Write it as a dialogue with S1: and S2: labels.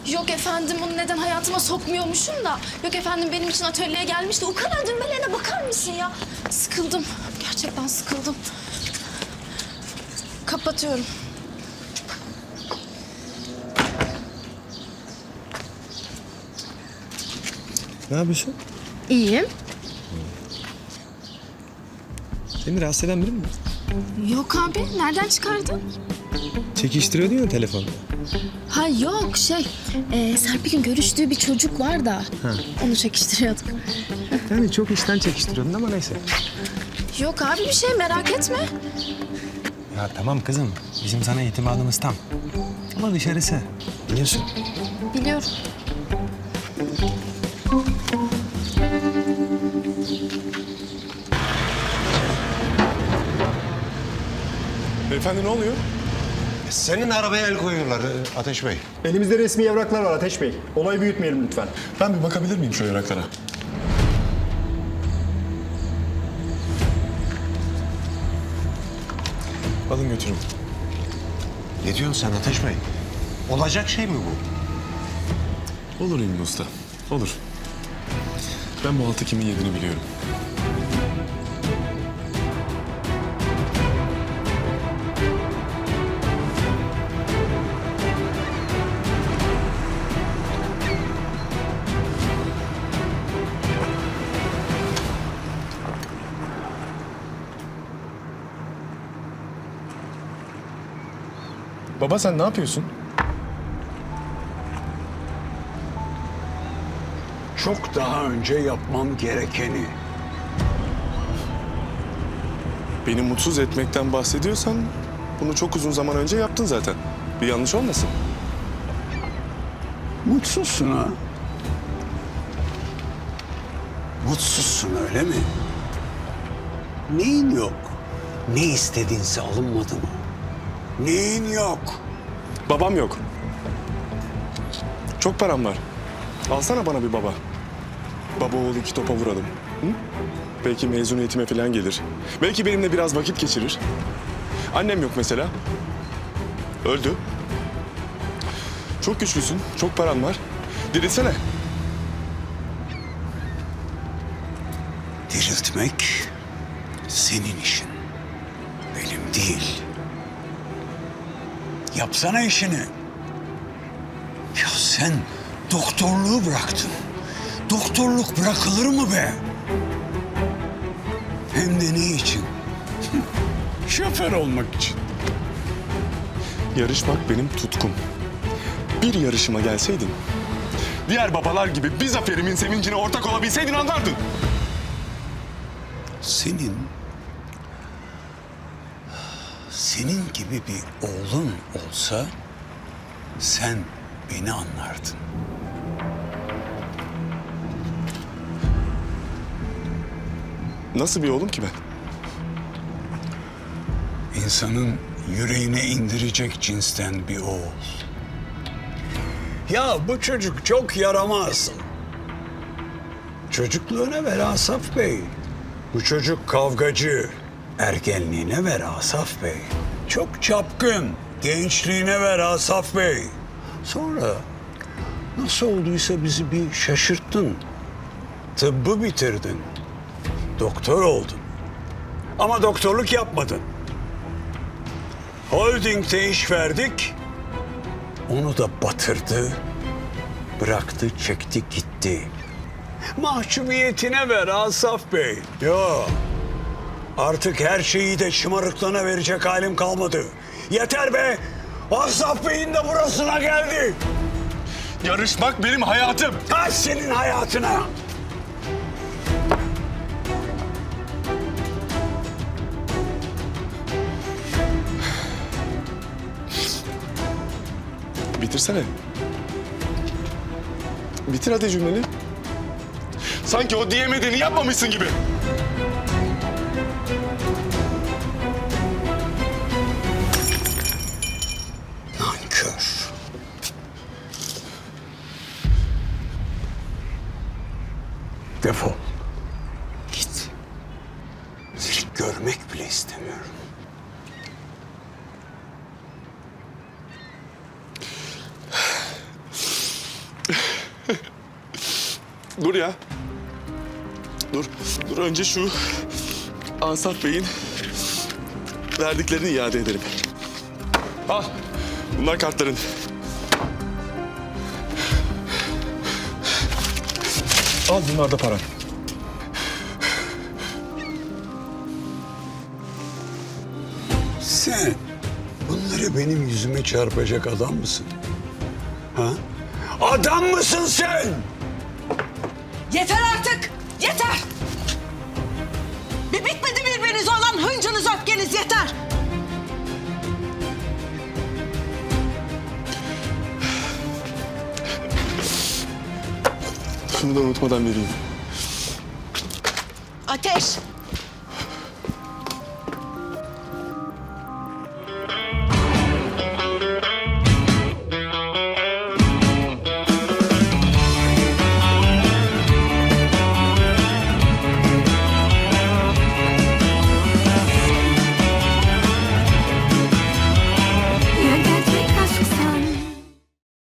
S1: Yok efendim, onu neden hayatıma sokmuyormuşum da. Yok efendim, benim için atölyeye gelmişti. O kadar düğmelerine bakar mısın ya? Sıkıldım. Gerçekten sıkıldım. Kapatıyorum.
S2: Ne yapıyorsun?
S1: İyiyim.
S2: Seni rahatsız eden biri mi?
S1: Yok abi, nereden çıkardın?
S2: Çekiştiriyordun ya telefonda.
S1: Ha yok, Serpil'in görüştüğü bir çocuk var da. Onu çekiştiriyorduk.
S2: Yani çok işten çekiştiriyordun ama neyse.
S1: Yok abi, bir şey merak etme.
S2: Ya tamam kızım. Bizim sana itimadımız tam. Ama dışarısı. Biliyorsun.
S1: Biliyorum.
S3: Beyefendi ne oluyor?
S4: Senin arabaya el koyuyorlar Ateş Bey.
S5: Elimizde resmi evraklar var Ateş Bey. Olayı büyütmeyelim lütfen.
S3: Ben bir bakabilir miyim şu evraklara? Alın götürün.
S4: Ne diyorsun sen Ateş Bey? Olacak şey mi bu?
S3: Olur İlmi Usta, olur. Ben bu altı kimin yediğini biliyorum. Baba sen ne yapıyorsun?
S6: Çok daha önce yapmam gerekeni.
S3: Beni mutsuz etmekten bahsediyorsan bunu çok uzun zaman önce yaptın zaten. Bir yanlış olmasın.
S6: Mutsuzsun ha? Mutsuzsun öyle mi? Neyin yok? Ne istediğinse alınmadı mı? Neyin yok?
S3: Babam yok. Çok param var. Alsana bana bir baba. Baba oğul iki topa vuralım. Hı? Belki mezuniyetime falan gelir. Belki benimle biraz vakit geçirir. Annem yok mesela. Öldü. Çok güçlüsün, çok paran var. Dirilsene.
S6: Diriltmek senin işin. Benim değil. Yapsana işini. Ya sen doktorluğu bıraktın. Doktorluk bırakılır mı be? Hem de ne için? Şoför olmak için.
S3: Yarışmak benim tutkum. Bir yarışıma gelseydin, diğer babalar gibi bir zaferimin sevincine ortak olabilseydin anlardın.
S6: Senin gibi bir oğlun olsa sen beni anlardın.
S3: Nasıl bir oğlum ki ben?
S6: İnsanın yüreğine indirecek cinsten bir oğul. Ya bu çocuk çok yaramaz. Çocukluğuna ver Asaf Bey. Bu çocuk kavgacı. Ergenliğine ver Asaf Bey. Çok çapkın. Gençliğine ver Asaf Bey. Sonra nasıl olduysa bizi bir şaşırttın. Tıbbı bitirdin. Doktor oldun. Ama doktorluk yapmadın. Holding'de iş verdik. Onu da batırdı. Bıraktı, çekti, gitti. Mahcubiyetine ver Asaf Bey. Yo. Artık her şeyi de şımarıklığına verecek halim kalmadı. Yeter be. Asaf Bey'in de burasına geldi.
S3: Yarışmak benim hayatım.
S6: Kaç senin hayatına.
S3: Bitirsene. Bitir hadi cümleni. Sanki o diyemediğini yapmamışsın gibi.
S6: Nankör. Defol. Git. Seni görmek bile istemiyorum.
S3: Dur ya. Dur. Dur önce şu Asaf Bey'in verdiklerini iade edelim. Al. Bunlar kartların. Al bunlar da paran.
S6: Sen bunları benim yüzüme çarpacak adam mısın? Ha? Adam mısın sen?
S7: Yeter artık! Yeter! Bir bitmedi birbirinize olan hıncınız, öfkeniz yeter!
S3: Şunu da unutmadan vereyim.
S7: Ateş!